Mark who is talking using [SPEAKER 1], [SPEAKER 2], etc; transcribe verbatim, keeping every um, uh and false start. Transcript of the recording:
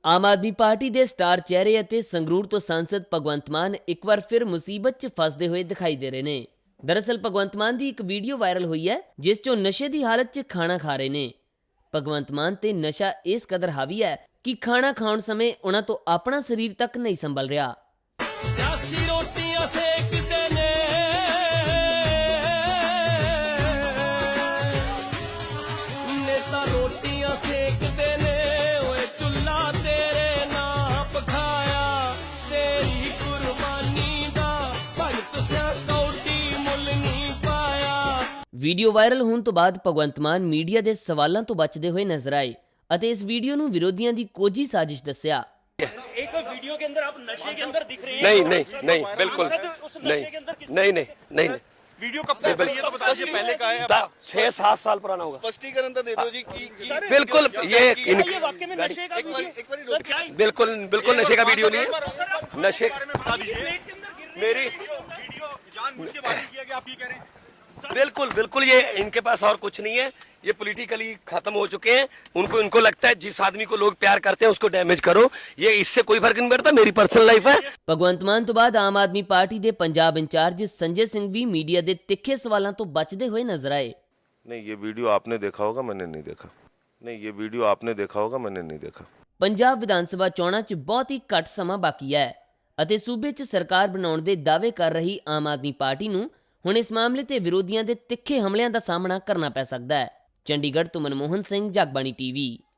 [SPEAKER 1] ਆਮ Aadmi party ਦੇ star ਚਿਹਰੇ ਅਤੇ ਸੰਗਰੂਰ ਤੋਂ ਸਾਂਸਦ ਭਗਵੰਤ ਮਾਨ ਇੱਕ ਵਾਰ ਫਿਰ ਮੁਸੀਬਤ 'ਚ ਫਸਦੇ ਹੋਏ ਦਿਖਾਈ ਦੇ ਰਹੇ ਨੇ। ਦਰਅਸਲ ਭਗਵੰਤ ਮਾਨ ਦੀ ਇੱਕ ਵੀਡੀਓ ਵਾਇਰਲ ਹੋਈ ਹੈ ਜਿਸ 'ਚੋਂ ਨਸ਼ੇ ਦੀ ਹਾਲਤ 'ਚ ਖਾਣਾ ਖਾ ਰਹੇ ਨੇ। ਭਗਵੰਤ ਮਾਨ ਤੇ ਨਸ਼ਾ ਇਸ ਕਦਰ ਹਾਵੀ ਹੈ ਕਿ ਖਾਣਾ ਖਾਣ ਸਮੇਂ ਉਹਨਾਂ ਤੋਂ ਆਪਣਾ ਸਰੀਰ ਤੱਕ ਨਹੀਂ ਸੰਭਲ ਰਿਹਾ।
[SPEAKER 2] ਸਿਆਸੀ ਰੋਟੀਆਂ ਸੇਕਦੇ ਨੇ, ਨੇਤਾ ਰੋਟੀਆਂ ਸੇਕਦੇ ਨੇ, ਓਏ ਚੁੱਲ੍ਹਾ ਤੇਰੇ ਨਾਂ ਪਖਾਇਆ, ਤੇਰੀ ਕੁਰਬਾਨੀ ਦਾ ਭਗਤ ਸਿਆ ਕੌਡੀ ਮੁੱਲ ਨਹੀਂ ਪਾਇਆ।
[SPEAKER 1] ਵੀਡੀਓ ਵਾਇਰਲ ਹੋਣ ਤੋਂ ਬਾਅਦ ਭਗਵੰਤ ਮਾਨ ਮੀਡੀਆ ਦੇ ਸਵਾਲਾਂ ਤੋਂ ਬਚਦੇ ਹੋਏ ਨਜ਼ਰ ਆਏ ਅਤੇ ਇਸ ਵੀਡੀਓ ਨੂੰ ਵਿਰੋਧੀਆਂ ਦੀ ਕੋਝੀ साजिश ਦੱਸਿਆ।
[SPEAKER 3] एक वीडियो के अंदर आप नशे के अंदर दिख रहे हैं।
[SPEAKER 4] नहीं नहीं नहीं बिल्कुल नहीं नहीं नहीं नहीं
[SPEAKER 3] वीडियो कब का है ये तो बता दीजिए, पहले का है?
[SPEAKER 4] छह सात साल पुराना होगा।
[SPEAKER 5] स्पष्टीकरण तो दे दो जी की, की
[SPEAKER 4] बिल्कुल ये
[SPEAKER 3] क्या ये वाकई में नशे का वीडियो? सर क्या
[SPEAKER 4] बिल्कुल बिल्कुल नशे का वीडियो नहीं है। नशे
[SPEAKER 3] बता दीजिए।
[SPEAKER 4] मेरी
[SPEAKER 3] वीडियो जानबूझ के वायरल किया गया, आप ये कह रहे हैं?
[SPEAKER 4] बिल्कुल बिल्कुल ये इनके पास और कुछ नहीं है, ये पॉलिटिकली खत्म हो चुके हैं। उनको इनको लगता है जिस आदमी को लोग प्यार करते हैं उसको डैमेज करो, ये इससे कोई फर्क नहीं पड़ता, मेरी पर्सनल लाइफ है।
[SPEAKER 1] ਭਗਵੰਤ ਮਾਨ ਤੋਂ ਬਾਅਦ ਆਮ ਆਦਮੀ ਪਾਰਟੀ ਦੇ ਪੰਜਾਬ ਇੰਚਾਰਜ ਸੰਜੇ ਸਿੰਘ ਵੀ ਮੀਡੀਆ ਦੇ ਤਿੱਖੇ ਸਵਾਲਾਂ ਤੋਂ ਬਚਦੇ ਹੋਏ ਨਜ਼ਰ ਆਏ।
[SPEAKER 5] नहीं ये वीडियो आपने देखा होगा, मैंने नहीं देखा। नहीं ये वीडियो आपने देखा होगा, मैंने नहीं देखा।
[SPEAKER 1] ਪੰਜਾਬ ਵਿਧਾਨ ਸਭਾ ਚੋਣਾਂ 'ਚ ਬਹੁਤ ਹੀ ਘੱਟ ਸਮਾਂ ਬਾਕੀ ਹੈ ਅਤੇ ਸੂਬੇ 'ਚ ਸਰਕਾਰ ਬਣਾਉਣ ਦੇ ਦਾਅਵੇ ਕਰ ਰਹੀ ਆਮ ਆਦਮੀ ਪਾਰਟੀ ਨੂੰ ਹੁਣ ਇਸ ਮਾਮਲੇ ਤੇ ਵਿਰੋਧੀਆਂ ਦੇ ਤਿੱਖੇ ਹਮਲਿਆਂ ਦਾ ਸਾਹਮਣਾ ਕਰਨਾ ਪੈ ਸਕਦਾ ਹੈ। ਚੰਡੀਗੜ੍ਹ ਤੋਂ ਮਨਮੋਹਨ ਸਿੰਘ, ਜਗਬਾਣੀ ਟੀਵੀ।